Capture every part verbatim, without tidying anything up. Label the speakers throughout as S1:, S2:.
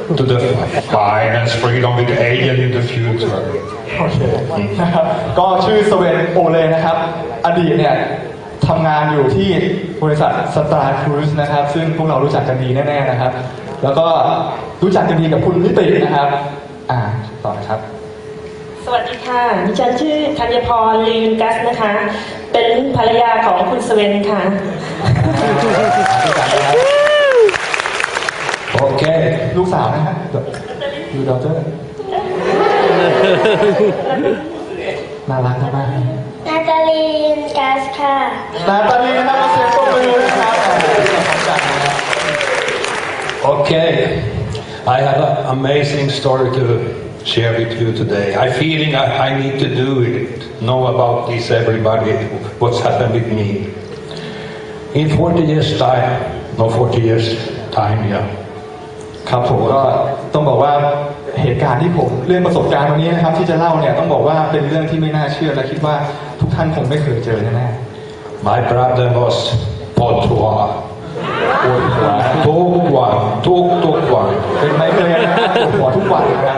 S1: to the finance freedom with alien in the future.
S2: โอเคนะครับก็ชื่อสเวนโอเลนะครับอดีตเนี่ยทำงานอยู่ที่บริษัทสตาร์ครูซนะครับซึ่งพวกเรารู้จักกันดีแน่ๆนะครับแล้วก็รู้จักกันดีกับคุณนิตินะครับอ่าต่อนะครับ
S3: สวัสดีค่ะดิฉันชื่อธัญพรลีนกัสนะคะเป็นภรรยาของคุณสเวนค่ะ
S1: โอเค
S2: ลูกสาวนะฮะยูดอเตอร์น่ารักมาก
S4: นาตาลีนกัสค่ะ
S2: นาตาลีนะครับมาเสียงปรบมือนะครับ
S1: Okay, I have an amazing story to share with you today. I feeling I, I need to do it, know about this everybody, what's happened with me. In forty years time, no forty years time, yeah.
S2: ครับผมก็ต้องบอกว่าเหตุการณ์ที่ผมเรื่องประสบการณ์วันนี้นะครับที่จะเล่าเนี่ยต้องบอกว่าเป็นเรื่องที่ไม่น่าเชื่อและคิดว่าทุกท่านคงไม่เคยเจอแน่
S1: ๆ My problem was Potuaปวดหัวทุกวันทุกทุกวัน
S2: เป็นไมเกรนนะครับปวดหัวทุกวันนะครับ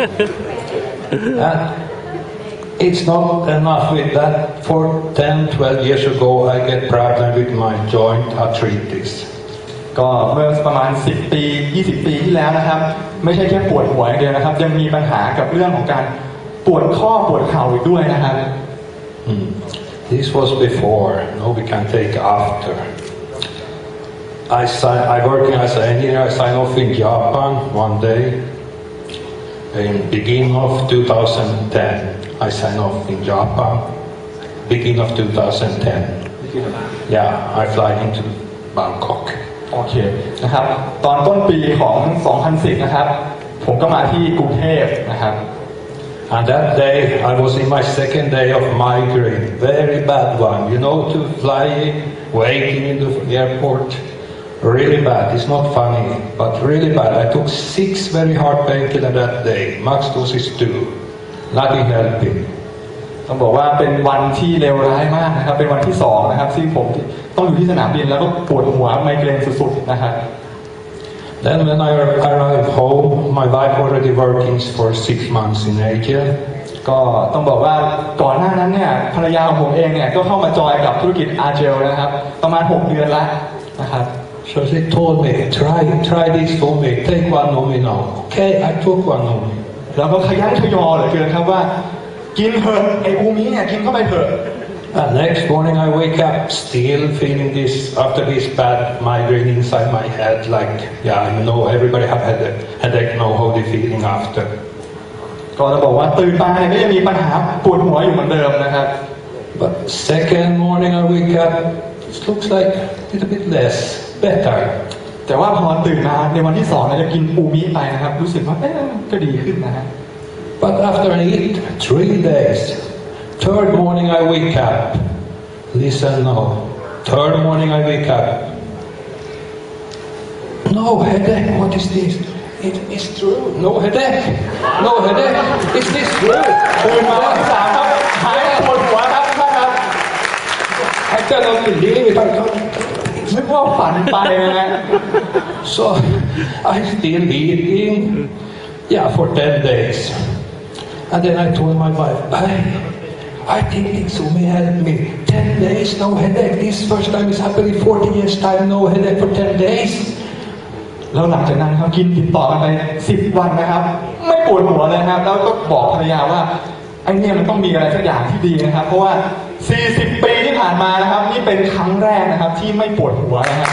S1: And it's not enough with that. For ten, twelve years ago, I get problem with my joint arthritis.
S2: ก็เมื่อประมาณสิบปียี่สิบปีที่แล้วนะครับไม่ใช่แค่ปวดหัวอย่างเดียวนะครับยังมีปัญหากับเรื่องของการปวดข้อปวดเข่าอีกด้วยนะครับ
S1: hmm. This was before. Now we can take after. I sign, I working as an engineer. I signed off in Japan one day in beginning of two thousand ten. I signed off in Japan beginning of two thousand ten. Yeah, I fly into Bangkok.
S2: โอเคนะครับตอนต้นปีของสองพันสิบนะครับผมก็มาที่กรุงเทพนะครับ
S1: And that day I was in my second day of migraine, very bad one. You know, to flying, waiting in the airport, really bad. It's not funny, but really bad. I took six very hard painkillers that day. Max dose is two. Nothing helping.
S2: ต้องบอกว่าเป็นวันที่เลวร้ายมากนะครับเป็นวันที่สองนะครับซึ่งผมต้องอยู่ที่สนามบินแล้วก็ปวดหัวไมเกรนสุดๆนะครับ
S1: Then when I arrived home, my wife already working for six months in Asia.
S2: ก็ต้องบอกว่าก่อนหน้านั้นเนี่ยภรรยาของผมเองเนี่ยก็เข้ามาจอยกับธุรกิจอาเจลนะครับประมาณหกเดือนแล้วนะครับ
S1: So she told me, try try this for me, take one of me now. Okay, I took one of me.
S2: แล้วก็ขยันขยอเหลือเกินครับว่ากินเถอะไอ้อูมิเนี่ยกินเข้าไปเถอะ
S1: And next morning I wake up still feeling this after this bad migraine inside my head, like yeah, you know, everybody have had a headache, know how they feeling after.
S2: ก็จะบอกว่าตื่นมาเนี่ยก็ยังมีปัญหาปวดหัวอยู่เหมือนเดิมนะครับ
S1: But second morning I wake up, it looks like a little bit less, better.
S2: แต่ว่าพอตื่นมาในวันที่สองเนี่ยจะกินอูมิไปนะครับรู้สึกว่าเอ๊ะก็ดีขึ้นนะฮะ
S1: But after I eat three days, third morning I wake up. Listen now. Third morning I wake up. No headache. What is this? It is true. No headache. No headache. Is this true?
S2: ตื่นมาวันที่สามครับหายปวดหัวครับครับ
S1: I cannot believe it. I can't.
S2: นึกว่าฝันไปนะฮะ
S1: So I still eating. Yeah, for ten days. And then I told my wife, I, I think this may help me. Ten days, no headache. This first time is happening forty years time, no headache for ten days.
S2: แล้วหลังจากนั้นเขากินติดต่อกันไปสิบวันนะครับไม่ปวดหัวเลยครับแล้วก็บอกภรรยาว่าไอ้เนี่ยมันต้องมีอะไรสักอย่างที่ดีนะครับเพราะว่าสี่สิบปีที่ผ่านมานะครับนี่เป็นครั้งแรกนะครับที่ไม่ปวดหัวนะครับ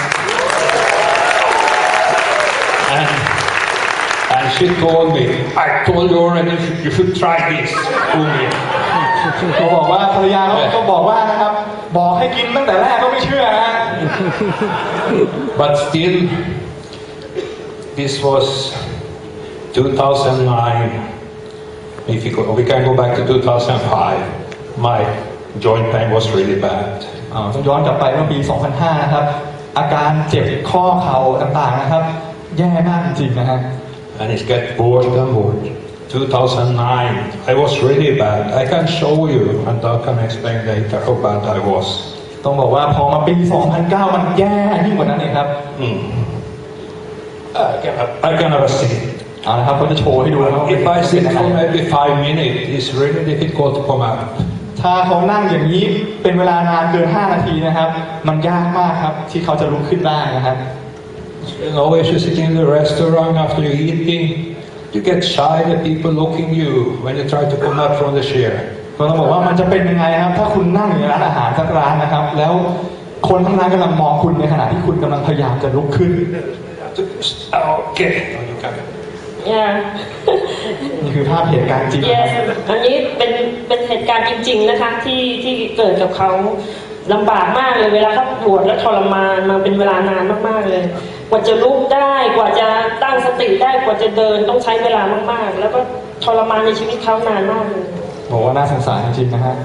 S1: And, and she told me, I told you already, you should, you should try this. Umi.
S2: เขาบอกว่าภรรยาเขาก็บอกว่านะครับบอกให้กินตั้งแต่แรกก็ไม่เชื่อนะ
S1: But still, this was two thousand nine. If you go, we can go back to two thousand five. My joint pain was really bad.
S2: ต้องย้อนกลับไปเมื่อปี สองพันห้า นะครับอาการเจ็บข้อเข่าต่างๆนะครับแย่มากจริงๆนะฮะ
S1: And it get worse and worse. two thousand nine, I was really bad. I can show you, and I can explain later how bad I was.
S2: ต้องบอกว่าพอมาปี สองพันเก้า มันแย่ยิ่งกว่านั้นเองครับ
S1: Mm. I can, I can never see it.
S2: เอาละครับเขาจะโชว์ให้ดูนะครับ
S1: If I sit for maybe five minutes, it's really difficult to come up.
S2: ถ้าเขานั่งอย่างนี้เป็นเวลานานเกินห้านาทีนะครับ มันยากมากครับที่เขาจะลุกขึ้นได้นะครับ
S1: You know, if you sit in the restaurant after eating, you get shy that people looking you when you try to come up from the chair.
S2: ก็ต้องบอกว่ามันจะเป็นยังไงครับ ถ้าคุณนั่งอยู่ในร้านอาหารสักร้านนะครับ แล้วคนทั้งร้านกำลังมองคุณในขณะที่คุณกำลังพยายามจะลุกขึ้น
S1: Okay. No, you can't.
S3: yeah
S2: นี่คือภาพเหตุการณ์จริง
S3: yes อันนี้เป็นเป็นเหตุการณ์จริงๆนะคะที่ที่เกิดกับเขาลำบากมากเลยเวลาเขาปวดและทรมานมาเป็นเวลานานมากๆเลย กว่าจะลุกได้กว่าจะตั้งสติได้กว่าจะเดินต้องใช้เวลามากๆ แล้วก็ทรมานในชีวิตเขานานมากเลย
S2: บอกว่าน่าสงสารจริงๆนะฮะ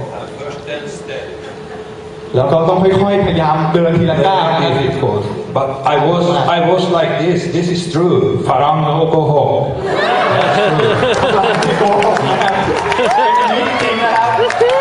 S2: แล้วก็ต้องค่อยๆพยายามเดินทีละก้าวนะ
S1: Very difficult. But I was, I was like this. This is true. Farang no go home.
S2: ที่โกหกนะครับเป็นอย่างนี้จริงๆนะครับ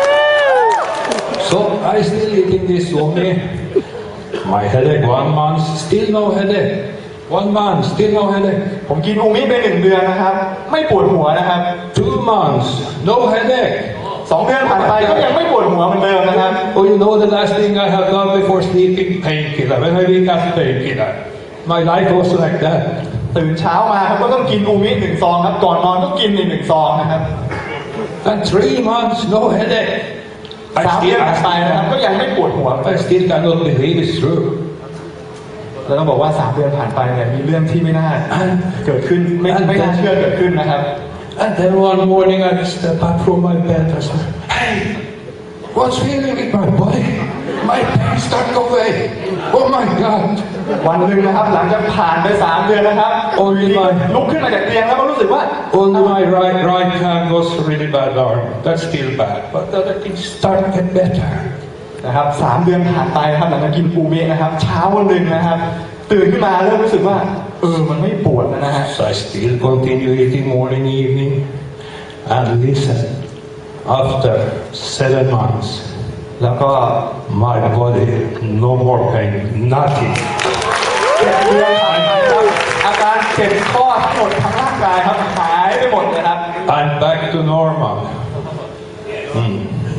S1: So I still eating this only. My headache one month, still no headache. One month, still no headache.
S2: ผมกินอูมิไปหนึ่งเดือนนะครับ ไม่ปวดหัวนะครับ
S1: Two months, no headache.
S2: สองเดือนผ่านไปก็ยังไม่ปวดหัวเหมือนเดิมนะครับ
S1: Oh, you know the last thing I have done before sleeping? Painkiller. When I wake up, painkiller. My life was like that.
S2: ตื่นเช้ามาครับก็ต้องกินอูมิหนึ่งซองครับ ก่อนนอนก็กินอีกหนึ่งซองนะครับ
S1: And three months, no headache.
S2: สาม
S1: I
S2: เดือน
S1: still,
S2: ผ่านไปนะครับก็ยังไม่ปวดหัว
S1: I still cannot believe it's true.
S2: แล้วต้องบอกว่าสามเดือนผ่านไปเนี่ยมีเรื่องที่ไม่น่าเกิดขึ้นไม่ไม่น่าเชื่อเกิดขึ้นนะครับ
S1: And then one morning I step up from my bed and said, hey, what's feeling in my body? My pain start go away. Oh my God.
S2: วันหนึ่งนะครับหลังจากผ่านไปสามเดือนนะครับ
S1: โอ้ยไม่
S2: ลุกขึ้นมาจากเตียงแล้วก็รู้สึกว่า
S1: Only my right, right hand was really bad arm. That's still bad. But the other things start to get better.
S2: นะครับสามเดือนผ่านไปนะครับหลังจากกินอูมินะครับเช้าวันหนึ่งนะครับ ตื่นขึ้นมาเริ่มรู้สึกว่าเออมันไม่ปวดแล้วนะฮะ
S1: So I still continue eating morning, evening. And listen, after seven months,
S2: แล้วก็
S1: my body, no more pain, nothing.
S2: เจ็ดเดือนผ่านไปครับอาการเจ็บข้อทั้งหมดทั้งร่างกายครับหายไปหมดเลยครับ
S1: I'm back to normal. Hmm.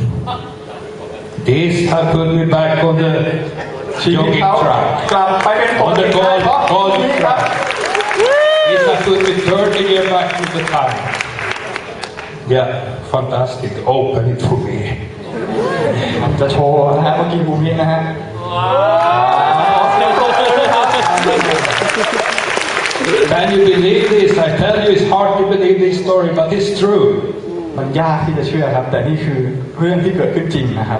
S1: This has put me back on the
S2: ชีวิต
S1: jogging
S2: เขา
S1: track.
S2: กลับไปเป็นป
S1: On
S2: กติ
S1: the
S2: ได้
S1: gold,
S2: เพราะ
S1: gold
S2: นี่ครับ
S1: track. This has put me thirty years back to the time. Yeah, fantastic. Open it for me.
S2: จะโชว์นะฮะเมื่อกี้บูมินะฮะ
S1: Can you believe this? I tell you, it's hard to believe this story, but it's true.
S2: มันยากที่จะเชื่อครับ แต่นี่คือเรื่องที่เกิดขึ้นจริงนะครับ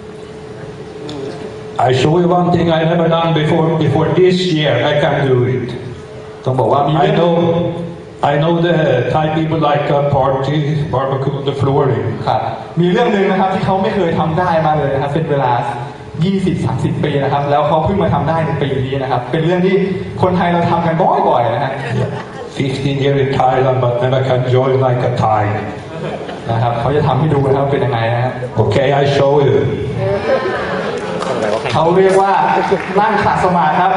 S1: I show you one thing I never done before. Before this year, I can do it.
S2: ต้องบอกว่ามี
S1: I know, I know the Thai people like a party, barbecue on the flooring.
S2: ครับมีเรื่องหนึ่งนะครับที่เขาไม่เคยทำได้มาเลยนะครับเป็นเวลา ยี่สิบสามสิบ ปีนะครับ แล้วเขาเพิ่งมาทำได้ในปีนี้นะครับ เป็นเรื่องที่คนไทยเราทำกันบ่อยๆนะฮะ
S1: fifteen years in Thailand, but never can join like a Thai.
S2: นะครับเขาจะทำให้ดูนะครับเป็นยังไงนะฮะ
S1: Okay, I show you.
S2: เขาเรียกว่านั่งขัดสมาธิครับ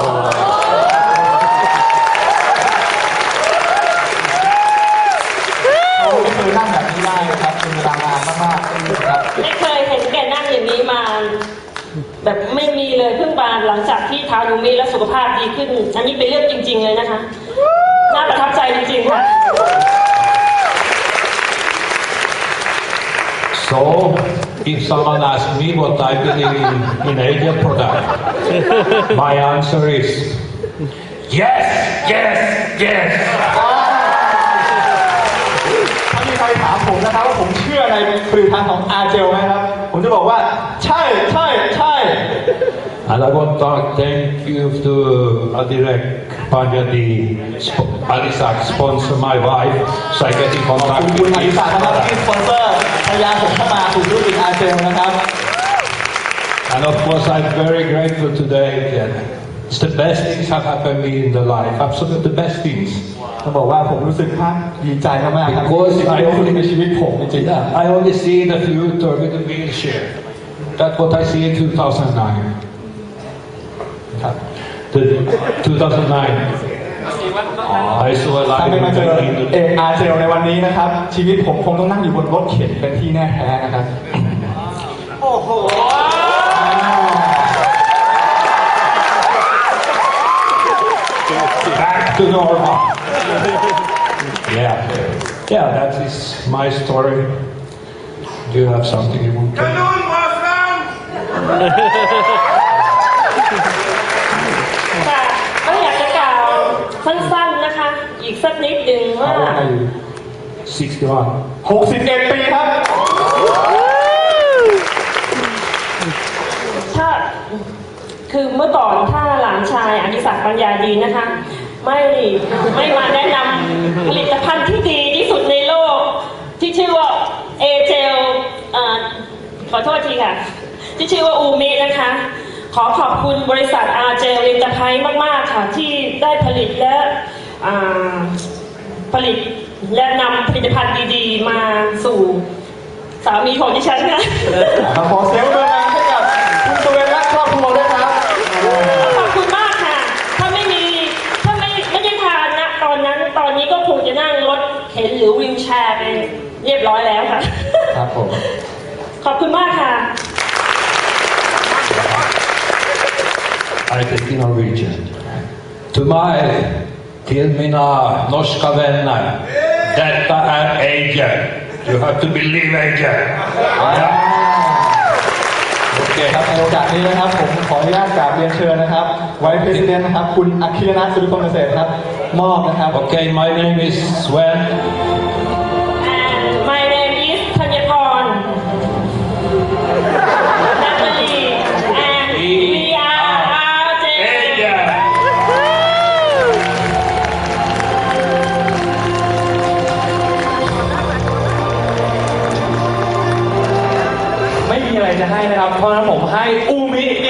S2: เขาไม่เคยนั่งแบบนี้ได้นะครับเป็นเวลานานมากๆนะครับ
S3: ไม่เคยเห็นแกนั่งอย่างนี้มา แบบไม่มีเลยเพิ่งมาหลังจากที่ทานอูมิแล้วสุขภาพดีขึ้น อันนี้เป็นเรื่องจริง ๆ เลยนะคะน่าประทับใจจริงๆค่ะ
S1: So, if someone asks me what I believe in, in Asian product, my answer is yes, yes, yes.
S2: ถ้ามีใครถามผมนะครับว่าผมเชื่อในผลิตภัณฑ์ของอาเจลไหมครับ ผมจะบอกว่าใช่ใช่ใช่
S1: And I want to thank you to Adirek Panjadi, Alisak sponsor my wife, so I get in
S2: ขอบ
S1: contact
S2: คุณคุณ
S1: with
S2: อดิ
S1: this
S2: ศักดิ์นะครับที่
S1: product.
S2: สปอนเซอร์พยายามผมเข้ามาสู่ธุรกิจอาเจลนะครับ
S1: And of course, I'm very grateful today. That it's the best things have happened to me in the life. Absolutely the best things.
S2: ต้องบอกว่าผมรู้สึกภาคดีใจมากๆครับ
S1: Because
S2: สิ่ง
S1: I
S2: ที่เกิดขึ้น
S1: only,
S2: ในชีวิตผมจริง
S1: yeah, I only see the future with the wheelchair. That's what I see in two thousand nine.
S2: ๆครับ
S1: The two thousand nine. I saw a
S2: ถ้าไม่มาเจอ
S1: live in
S2: เอ
S1: the
S2: กอาร์เจลในวันนี้นะครับ ชีวิตผมคงต้องนั่งอยู่บนรถเข็นเป็นที่แน่แท้นะครับ
S1: back to normal. Yeah, yeah, that is my story. Do you have something you want to?
S3: ค่ะก็อยากจะกล่าวสั้นๆนะคะ อีกสักนิดหนึ่งว่า
S1: sixty-one.
S2: หกสิบเอ็ดปีครับ
S3: ถ้าคือเมื่อก่อนถ้าหลานชายอดิศักดิ์ปัญญาดีนะคะ ไม่ไม่มาแนะนำผลิตภัณฑ์ที่ดีที่สุดในโลก ที่ชื่อว่าเอเจลขอโทษทีค่ะ ที่ชื่อว่าอูมินะคะ ขอขอบคุณบริษัทอาร์เจลอินเตอร์ไพรส์มากๆค่ะ ที่ได้ผลิตและอ่าผลิตและนำผลิตภัณฑ์ดีๆ มาสู่สามีของดิฉันค่ะ
S2: ขอเสียงปรบมือดังให้กับคุณสเวนและครอบครัวด้วยครับ
S3: ขอบคุณมากค่ะ ถ้าไม่มี ถ้าไม่ไม่ได้ทานนะตอนนั้น ตอนนี้ก็คงจะนั่งรถเข็นหรือวีลแชร์ไปเรียบร้อยแล้วค่ะ
S2: ครับผม
S3: ขอบคุณมากค่ะ
S1: I think in Norwegian. To my till mina norska vänner. Detta är Angel. You have to believe Angel. Ja.
S2: โอเคครับในโอกาสนี้นะครับผมขออนุญาตกราบเรียนเชิญนะครับไวท์เพรสิดเนนต์นะครับคุณอัคคีรนัทสุริพงษ์เกษตรครับมอบนะครับ
S1: Okay, my name is Sven.
S3: and my name is ธัญพร Natalie and we are R J
S1: Angel.
S5: ไม่มีอะไรจะให้นะครับ เพราะฉะนั้นผมให้อูมิ